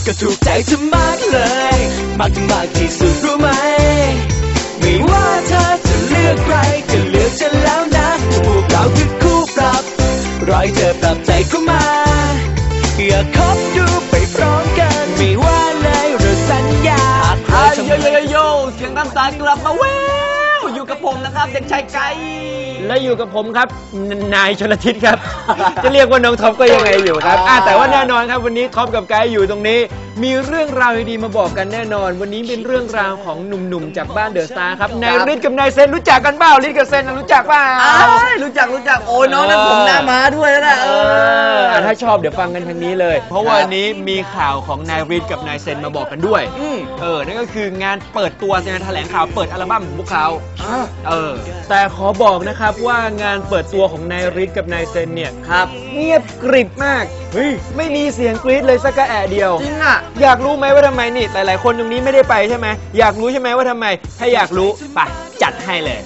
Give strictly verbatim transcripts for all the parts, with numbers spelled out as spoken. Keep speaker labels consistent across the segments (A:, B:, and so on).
A: ก็ถูกใจเธอมากเลยมากถึงมากที่สุดรู้ไหมไม่ว่าเธอจะเลือกใครก็เลือกฉันแล้วนะพวกเราคือคู่ปรับรอยเธอปรับใจเข้ามาอยากคบดูไปพร้อมกันไม่ว่าเลยเราสัญญา
B: โยโยโยโยเสียงตามสายกลับมาแววอยู่กับผมนะครับเด็กชายไก่
C: และอยู่กับผมครับนายชลทิศครับ จะเรียกว่าน้องท็อปก็ยังไงอยู่ครับแต่ว่าแน่นอนครับวันนี้ท็อปกับไกด์อยู่ตรงนี้มีเรื่องราวดีๆมาบอกกันแน่นอนวันนี้เป็นเรื่องราวของหนุ่มๆจากบ้านเดอะสตาร์ครับนายฤทธิ์กับนายเซนรู้จักกันเปล่าฤทธิ์กับเซนรู้จักเปล่า
B: รู้จักรู้จักโอ้ยน้องนั่นผมหน้าม้าด้วยนะเอ
C: อถ้าชอบเดี๋ยวฟังกันทางนี้เลยเพราะวันนี้มีข่าวของนายฤทธิ์กับนายเซนมาบอกกันด้วยเออนั่นก็คืองานเปิดตัวงานแถลงข่าวเปิดอัลบั้มของพวกเขาเออแต่ขอบอกนะครับว่างานเปิดตัวของนายฤทธิ์กับนายเซนเนี่ยครับเงียบกริบมากเฮ้ยไม่มีเสียงกรี๊ดเลยสักกระแอะเดียว
B: จริงอ่ะ
C: อยากรู้ไหมว่าทำไมนี่หลายๆคนตรงนี้ไม่ได้ไปใช่ไหมอยากรู้ใช่ไหมว่าทำไมถ้าอยากรู้ไปจัดให้เลย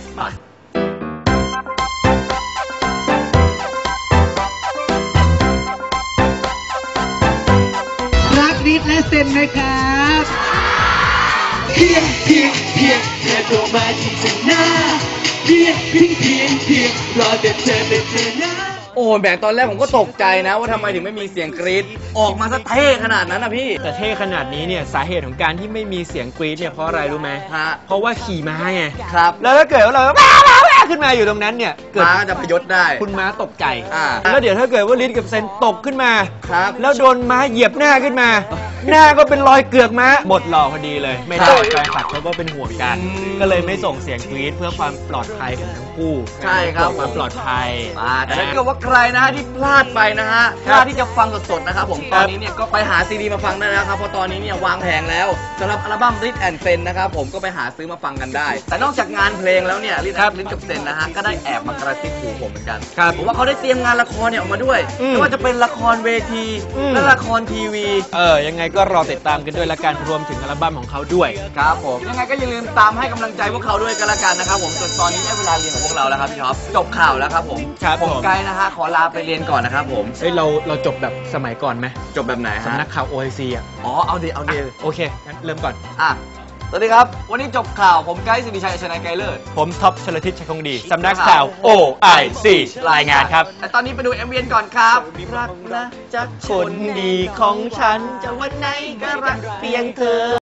D: รักฤทธิ์และเซนนะครับ
A: เพียงเพียงเพียงเธอโทรมาที่ฉันหน้าเพียงเพียงเพียงเพียงรอแต่เธอเป็นเธอหน้า
B: โอ้แหมตอนแรกผมก็ตกใจนะว่าทำไมถึงไม่มีเสียงกรี๊ดออกมาซะเท่ขนาดนั้นนะพี่
C: แต่เท่ขนาดนี้เนี่ยสาเหตุของการที่ไม่มีเสียงกรี๊ดเนี่ยเพราะอะไรรู้ไหม
B: ฮะ
C: เพราะว่าขี่ม้าไง
B: ครับ
C: แล้วถ้าเกิดว่าเราว้าวว้าวขึ้นมาอยู่ตรงนั้นเนี่ย
B: ม้าจะพยศได้
C: คุณม้าตกใจ
B: อ่า
C: แล้วเดี๋ยวถ้าเกิดว่าฤทธิ์กับเซนตกขึ้นมา
B: ครับ
C: แล้วโดนม้าเหยียบหน้าขึ้นมาหน้าก็เป็นรอยเกือกม้าหมดหล่อพอดีเลยไม่ได้แฟนคลับเขาก็เป็นห่วงกันก็เลยไม่ส่งเสียงกรี๊ดเพื่อความปลอดภัยของทั้งคู่
B: ใช่ครับ
C: ความปลอดภัย
B: แต่ถ้าเกิดว่าใครนะที่พลาดไปนะฮะพลาดที่จะฟังสดๆนะครับผมตอนนี้เนี่ยก็ไปหาซีดีมาฟังได้แล้วครับเพราะตอนนี้เนี่ยวางแผงแล้วสำหรับอัลบั้ม Rit and Zen นะครับผมก็ไปหาซื้อมาฟังกันได้แต่นอกจากงานเพลงแล้วเนี่ยRitกับเซนนะฮะก็ได้แอบมากระซิบหูผมเหมือนกันผมว่าเขาได้เตรียมงานละครเนี่ยออกมาด้วยไม่ว่าจะเป็นละครเวทีและละครทีวี
C: เออยังไงก็รอติดตามกันด้วยละกันรวมถึงอัลบั้มของเขาด้วย
B: ครับผมยังไงก็อย่าลืมตามให้กำลังใจพวกเขาด้วยกันละกันนะครับผมส่วนตอนนี้ได้เวลาเรียนของพวกเราแล้วครับพี่ท็อปจบข่าวแล้วครับผมผมไกด์นะฮะขอลาไปเรียนก่อนนะครับผม
C: เฮ้ยเราเราจบแบบสมัยก่อนไหม
B: จบแบบไหนฮะ
C: สำนักข่าว โอ ไอ ซี อ่ะ
B: อ๋อเอาดีเอาดี
C: โอเคงั้นเริ่มก่อน
B: อ่ะสวัสดีครับวันนี้จบข่าวผมไกด์สิริชัยชนะไกรเลิศ
C: ผมท็อปชลทิศชัยคงดีสำนักข่าว โอ ไอ ซี รายงานครับ
B: แต่ตอนนี้ไปดู เอ็ม วี ก่อนครับรักนะจาก
C: คนดีของฉัน
B: จะวันไหนก็รักเพียงเธอ